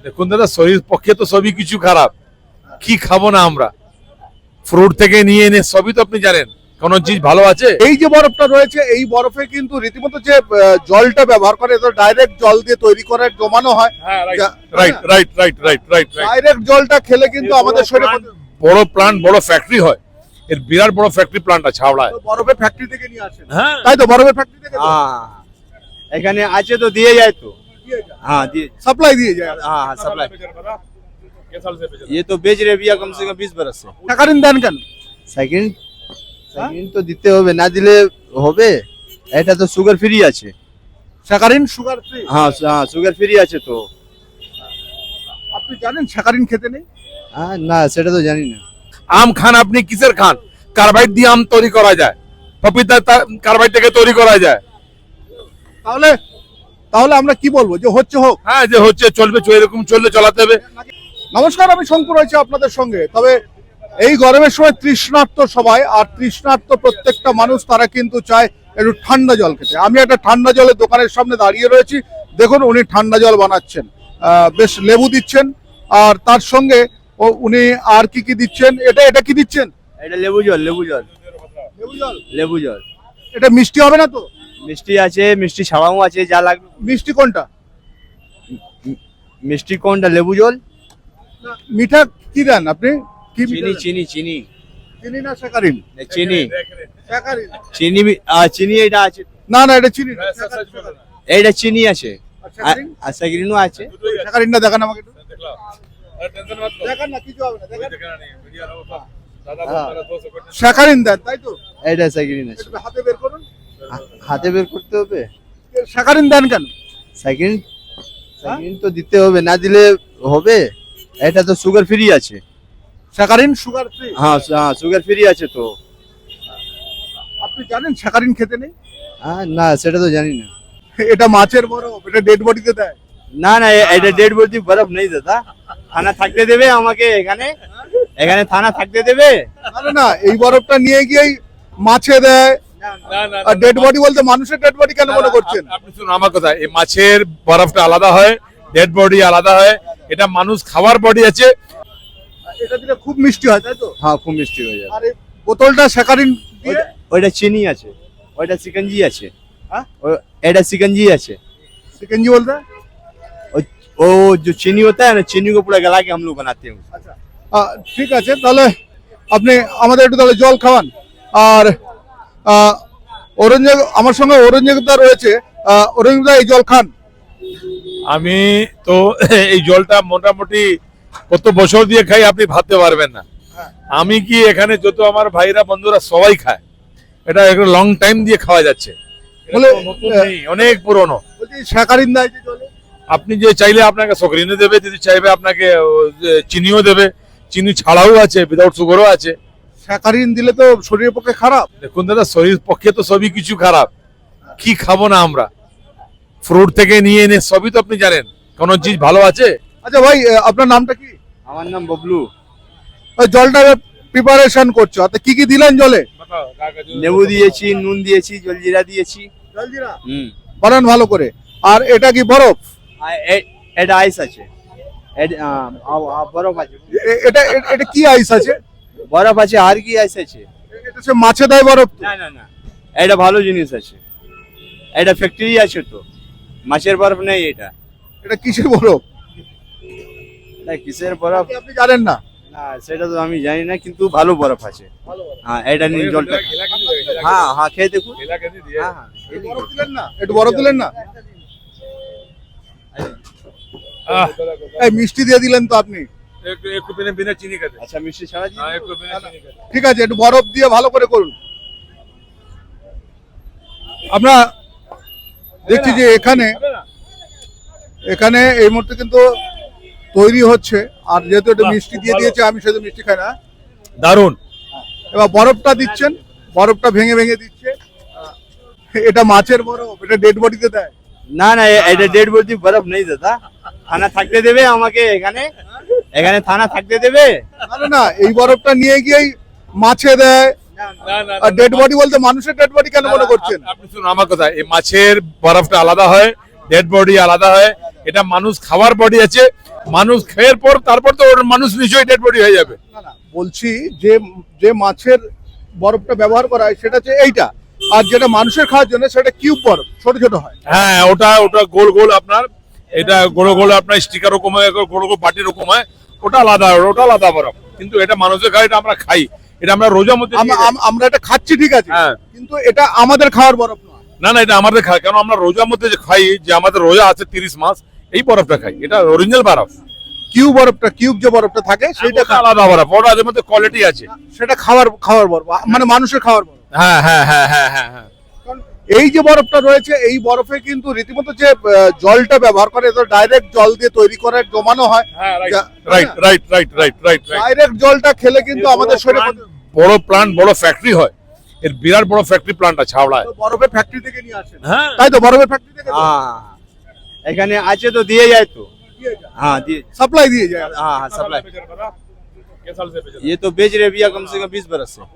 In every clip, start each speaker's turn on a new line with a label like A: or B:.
A: দেখুন দাদা, শরীর পক্ষে তো সবই কিছু খারাপ, কি খাবো না আমরা? ফ্রুট থেকে নিয়ে এনে সবই তো আপনি জানেন, কোন চিজ ভালো আছে?
B: এই যে বরফটা রয়েছে, এই বরফে কিন্তু রীতিমতো যে জলটা ব্যবহার করে, তো ডাইরেক্ট জল দিয়ে তৈরি করে জমানো হয়।
A: Right right right right right
B: direct জলটা খেলে কিন্তু আমাদের শরীরে
A: বড় প্লান্ট, বড় ফ্যাক্টরি হয়, এর বিরাট বড় ফ্যাক্টরি প্লান্ট আছে হাওড়ায়।
B: বরফের ফ্যাক্টরি থেকে নিয়ে আসেন,
A: হ্যাঁ
B: তাই তো? বরফের ফ্যাক্টরি থেকে
C: हाँ এখানে আছে তো দিয়ে যায় তো हाँ दिए
B: সাপ্লাই দিয়ে যায়।
C: हाँ हाँ सप्लाई ये तो बेच रहे भैया कम से कम 20 बरस से
B: টাকারিন দেন কেন?
C: সেকেন্ড সেকেন্ড তো দিতে হবে, না দিলে হবে? এটা তো সুগার ফ্রি আছে।
B: Saccharin sugar free.
C: हाँ हाँ সুগার ফ্রি আছে তো।
B: আপনি জানেন স্যাকারিন খেতে নেই?
C: हाँ না সেটা তো জানি না।
A: আম খান আপনি, কিসের খান? কার্বাইড দিয়ে আম তৈরি করা যায়, পপিতা কার্বাইড থেকে তৈরি করা যায়।
B: তাহলে তাহলে আমরা কি বলবো, যে হচ্ছে হোক?
A: হ্যাঁ, যে হচ্ছে চলবে, এরকম চললে চালাতে হবে।
B: নমস্কার, আমি শঙ্কর রয়েছে আপনাদের সঙ্গে। তবে এই গরমের সময় তৃষ্ণার্ত সবাই, আর তৃষ্ণার্ত প্রত্যেকটা মানুষ তারা কিন্তু চায় একটু ঠান্ডা জল খেতে। আমি একটা ঠান্ডা জলের দোকানের সামনে দাঁড়িয়ে রয়েছি। দেখুন উনি ঠান্ডা জল বানাচ্ছেন, বেশ লেবু দিচ্ছেন, আর তার সঙ্গে উনি আর কি কি দিচ্ছেন? এটা কি দিচ্ছেন?
C: এটা লেবু জল, লেবু জল,
B: লেবু জল।
C: লেবু জল।
B: এটা মিষ্টি হবে না তো?
C: মিষ্টি আছে, মিষ্টি ছাড়াও আছে, যা লাগবে।
B: মিষ্টি কোনটা?
C: মিষ্টি কোনটা? লেবু জল।
B: মিঠা কি দেন আপনি? কি মিঠা
C: চিনি
B: দেন?
C: চিনি চিনি
B: চিনি না স্যাকারিন?
C: চিনি
B: স্যাকারিন।
C: চিনি চিনি এটা আছে,
B: না না, এটা চিনি না।
C: এইটা চিনি আছে,
B: আর স্যাকারিন?
C: আর সেগ্রিনও আছে।
B: স্যাকারিনটা দেখান আমাকে একটু। দেখান না, কিছু হবে না, দেখান। স্যাকারিন দেন, তাই তো?
C: এইটা সেগ্রিন আছে।
B: একটু হাতে বের করুন।
C: হাতে বের করতে হবে।
B: স্যাকারিন দেন কেন?
C: সেকেন্ড সেকেন্ড তো দিতে হবে, না দিলে হবে? এটা তো সুগার ফ্রি আছে।
B: Saccharin sugar free.
C: হ্যাঁ হ্যাঁ সুগার ফ্রি আছে তো।
B: আপনি জানেন স্যাকারিন খেতে নেই?
C: হ্যাঁ না সেটা তো জানি না।
B: এটা মাছের বরফ, এটা ডেড বডিতে দেয়।
C: না না এটা ডেড বডি বরফ নেই দাদা, থানা থাকতে দেবে আমাকে এখানে, এখানে থানা থাকতে দেবে।
B: না না, এই বরফটা নিয়ে গিয়েই মাছে দেয়। আর ডেড বডি বলতে মানুষের ডেড বডি কেন মনে করছেন?
A: আপনি শুনুন আমার কথা, এই মাছের বরফটা আলাদা হয়, ডেড বডি আলাদা হয়, এটা মানুষ খাবার বডি আছে।
B: এটা দিলে খুব মিষ্টি হয়, তাই তো?
C: হ্যাঁ খুব মিষ্টি হয়ে যাবে।
B: আর এই বোতলটা স্যাকারিন দিয়ে।
C: ওইটা চিনি আছে, ওইটা সিকঞ্জি আছে।
B: হ্যাঁ?
C: এটা সিকঞ্জি আছে।
B: চিকেনজি বলতে?
C: वो जो चीनी होता है ना, चीनी को पूरा गला के हम लोग बनाते हैं।
B: আচ্ছা, ঠিক আছে, তাহলে আপনি আমাদের একটু তাহলে জল খাওয়ান। আর অরঞ্জে আমার সঙ্গে অরঞ্জদা রয়েছে। অরঞ্জদা, এই জল খান।
A: আমি তো এই জলটা মোটামুটি কত বছর দিয়ে খাই আপনি ভাবতে পারবেন না। আমি কি এখানে যত আমার ভাইরা বন্ধুরা সবাই খায়, এটা একটা লং টাইম দিয়ে খাওয়া যাচ্ছে,
B: বলে,
A: নতুন নেই, অনেক পুরনো।
B: বলছি স্যাকারিন দেয় যে জলে?
A: আপনি যে চাইলে আপনাকে সকরিনে দেবে, যদি চাইবে আপনাকে চিনিও দেবে, চিনি ছাড়াও আছে, উইদাউট সুগারও আছে।
B: স্যাকারিন দিলে তো শরীরের পক্ষে খারাপ।
A: দেখুন দাদা, শরীর পক্ষে তো সবই কিছু খারাপ, কি খাবো না আমরা? ফ্রুট থেকে নিয়ে এনে সবই তো আপনি জানেন, কোন চিজ ভালো আছে?
B: আচ্ছা ভাই, আপনার নামটা কি?
C: আমার নাম ববলু।
B: ওই জলটা প্রিপারেশন করছো, তো কি কি দিলেন জলে?
C: লেবু দিয়েছি, নুন দিয়েছি, জলজিরা দিয়েছি।
B: জলজিরা
C: হুম।
B: বানান ভালো করে। আর এটা কি বরফ?
C: আর এটা আইস আছে, বরফ আছে,
B: এটা এটা কি আইস আছে?
C: বরফ আছে, আর কি আইস আছে?
B: এটা সে মাছে দেয় বরফ তো?
C: না না না, এটা ভালো জিনিস আছে, এটা ফ্যাক্টরি আছে তো, মাছের বরফ নেই এটা।
B: এটা কিসের বরফ?
C: এটা কিসের বরফ?
B: আপনি জানেন না?
C: না সেটা তো আমি জানি না, কিন্তু ভালো বরফ আছে। হ্যাঁ এটা নিয়ে জলটা, হ্যাঁ হ্যাঁ খেয়ে দেখুন। হ্যাঁ হ্যাঁ
B: বরফ দিলেন না? একটু বরফ দিলেন না? এই মিষ্টি দিয়ে দিলেন তো আপনি।
A: একটু বিনা চিনি খাতে।
C: আচ্ছা মিষ্টি ছাড়া দিয়ে
A: হ্যাঁ, একটু বিনা চিনি খাতে।
B: ঠিক আছে, একটু বরফ দিয়ে ভালো করে করুন। আমরা দেখছি যে এখানে এই মুহূর্তে কিন্তু তৈরি হচ্ছে। আর যেহেতু এটা মিষ্টি দিয়ে দিয়েছে, আমি সেহেতু মিষ্টি খাই না।
A: দারুন।
B: এবার বরফটা দিচ্ছেন, বরফটা ভেঙে ভেঙে দিচ্ছে। এটা মাছের বরফ, এটা ডেড বডিতে দেয়।
C: না না এটা ডেড বডি বরফ নেই দাদা, থানা থাকতে দেবে আমাকে এখানে, এখানে থানা থাকতে দেবে।
B: না না, এই বরফটা নিয়ে গিয়েই মাছে দেয়। আর ডেড বডি বলতে মানুষের ডেড বডি কেন মনে করছেন?
A: আপনি শুনুন আমার কথা, এই মাছের বরফটা আলাদা হয়, ডেড বডি আলাদা হয়, এটা মানুষ খাওয়ার বডি আছে, মানুষ খেয়ে পর তারপর তো ওর মানুষ নিশ্চয়ই ডেড বডি হয়ে যাবে।
B: না না, বলছি যে যে মাছের বরফটা ব্যবহার করা হয় সেটা হচ্ছে এইটা, আর যেটা মানুষের খাওয়ার জন্য সেটা কিউব বরফ, ছোট ছোট হয়।
A: হ্যাঁ, ওটা ওটা গোল গোল আপনার, এটা গোল গোল আপনার স্টিকার রকম হয়, গোল গোল বাটির রকম হয়, ওটা আলাদা, ওটা আলাদা বরফ। কিন্তু এটা মানুষের খায়, এটা আমরা খাই, এটা আমরা রোজার মধ্যে নিয়ে যাই।
B: আমরা এটা খাচ্ছি ঠিক আছে,
A: হ্যাঁ।
B: কিন্তু এটা আমাদের খাওয়ার বরফ নয়।
A: না না, এটা আমাদের খাই, কারণ আমরা রোজার মধ্যে যে খাই, যে আমাদের রোজা আছে 30 মাস, এই বরফটা খাই, এটা অরিজিনাল বরফ।
B: কিউব বরফটা, কিউব যে বরফটা থাকে
A: সেইটা
B: সেইটা
A: আলাদা বরফ, ওটা এর মধ্যে কোয়ালিটি আছে।
B: সেটা খাওয়ার বরফ, মানে মানুষের খাওয়ার বরফ।
A: হ্যাঁ হ্যাঁ হ্যাঁ হ্যাঁ হ্যাঁ হ্যাঁ।
B: কারণ এই যে বরফটা রয়েছে, এই বরফে কিন্তু রীতিমতো যে জলটা ব্যবহার করে, এটা ডাইরেক্ট জল দিয়ে তৈরি করে জমানো হয়।
A: হ্যাঁ, right right right right right.
B: Direct জলটা খেলে কিন্তু আমাদের শরীরে
A: বড় প্লান্ট, বড় ফ্যাক্টরি হয়, এর বিরাট বড় ফ্যাক্টরি প্লান্ট আছে হাওড়ায়।
B: বরফের ফ্যাক্টরি থেকে নিয়ে আসে,
A: হ্যাঁ,
B: তাই তো? বরফের ফ্যাক্টরি থেকে
C: हाँ এখানে আছে তো দিয়ে যায় তো हाँ दिए
B: সাপ্লাই দিয়ে যায়।
C: हाँ हाँ सप्लाई ये तो बेच रहे भैया कम से कम 20 बरस से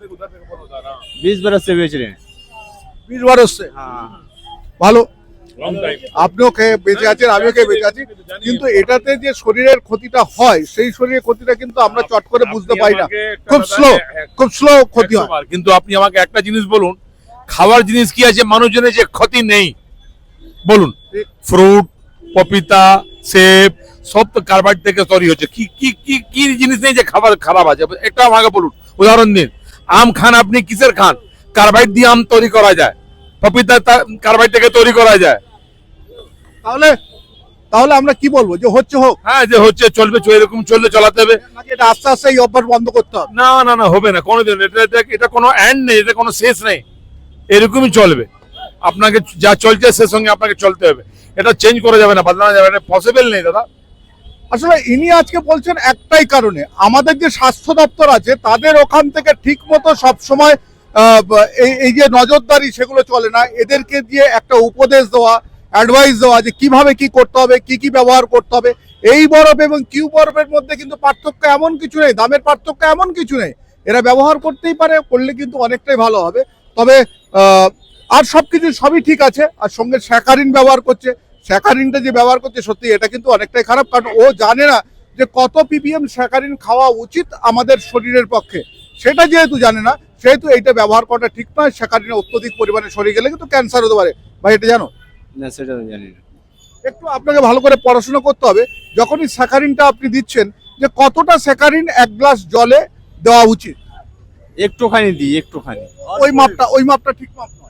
C: 20 बरस से बेच रहे हैं
B: 20 বার হচ্ছে,
C: हाँ
B: ভালো। আপনিও খেয়ে বেঁচে আছেন, আমিও খেয়ে বেঁচে আছি, কিন্তু এটাতে যে শরীরের ক্ষতিটা হয়, সেই শরীরের ক্ষতিটা কিন্তু আমরা চট করে বুঝতে পারি না, খুব স্লো ক্ষতি হয়।
A: কিন্তু আপনি আমাকে একটা জিনিস বলুন, খাওয়ার জিনিস কি আছে মানুষজনের যে ক্ষতি নেই বলুন? ফ্রুট, পপিতা, সেব সব তো কার্বাইড থেকে তৈরি হচ্ছে। কি কি কি কি জিনিস নেই যে খাবার খারাপ আছে? একটা আমাকে বলুন, উদাহরণ দিন। আম খান আপনি, কিসের খান? কার্বাইড দিয়ে আম তৈরি করা যায়, পপিতা কার্বাইড থেকে তৈরি করা যায়।
B: তাহলে তাহলে আমরা কি বলবো, যে হচ্ছে হোক,
A: হ্যাঁ, যে হচ্ছে চলবে, এরকম চললে চালাতে হবে।
B: নাকি এটা আস্তে আস্তে এই অভ্যাস বন্ধ করতে হবে?
A: না না না, হবে না কোনোদিন। এটা কোনো এন্ড নেই, এটা কোনো শেষ নেই, এরকমই চলবে। আপনাকে যা চলছে সে সঙ্গে আপনাকে চলতে হবে, এটা চেঞ্জ করা যাবে না, বদলানো যাবে না, পসিবল নেই দাদা।
B: আসলে ইনি আজকে বলছেন একটাই কারণে, আমাদের যে স্বাস্থ্য দপ্তর আছে তাদের ওখান থেকে ঠিক মতো সবসময় এই যে নজরদারি সেগুলো চলে না। এদেরকে দিয়ে একটা উপদেশ দেওয়া, অ্যাডভাইস দেওয়া যে কিভাবে কি করতে হবে, কি কি ব্যবহার করতে হবে। এই বরফ এবং কিউ বরফের মধ্যে কিন্তু পার্থক্য এমন কিছু নেই, দামের পার্থক্য এমন কিছু নেই, এরা ব্যবহার করতেই পারে, করলে কিন্তু অনেকটাই ভালো হবে। তবে আর সবকিছু সবই ঠিক আছে, আর সঙ্গে স্যাকারিন ব্যবহার করছে, স্যাকারিনটা যে ব্যবহার করছে সত্যি এটা কিন্তু অনেকটাই খারাপ, কারণ ও জানে না যে কত পিপিএম স্যাকারিন খাওয়া উচিত আমাদের শরীরের পক্ষে। সেটা যেহেতু জানে না, সেহেতু এইটা ব্যবহার করাটা ঠিক নয়। স্যাকারিনের অত্যধিক পরিমাণে শরীরে গেলে কিন্তু ক্যান্সার হতে পারে। ভাই এটা জানো?
C: না সেটা তো জানি না
B: একটু আপনাকে ভালো করে পড়াশোনা করতে হবে। যখনই স্যাকারিনটা আপনি দিচ্ছেন, যে কতটা স্যাকারিন এক গ্লাস জলে দেওয়া উচিত,
C: একটুখানি দিই একটুখানি
B: ওই মাপটা ঠিক মাপ নয়।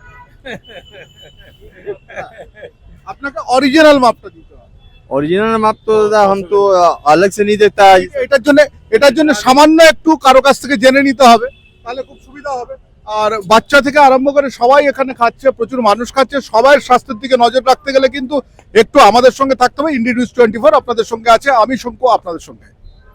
B: আপনাকে অরিজিনাল মাপটা দিতে হবে।
C: ओरिजिनल माप तो दादा हम तो अलग से नहीं देता है
B: এটার জন্য সামান্য একটু কারো কাছ থেকে জেনে নিতে হবে, তাহলে খুব সুবিধা হবে। আর বাচ্চা থেকে আরম্ভ করে সবাই এখানে খাচ্ছে, প্রচুর মানুষ খাচ্ছে। সবার স্বাস্থ্যের দিকে নজর রাখতে গেলে কিন্তু একটু আমাদের সঙ্গে থাকতে হবে। ইন্ডিয়া নিউজ 24 আপনাদের সঙ্গে আছে, আমি শঙ্কু আপনাদের সঙ্গে।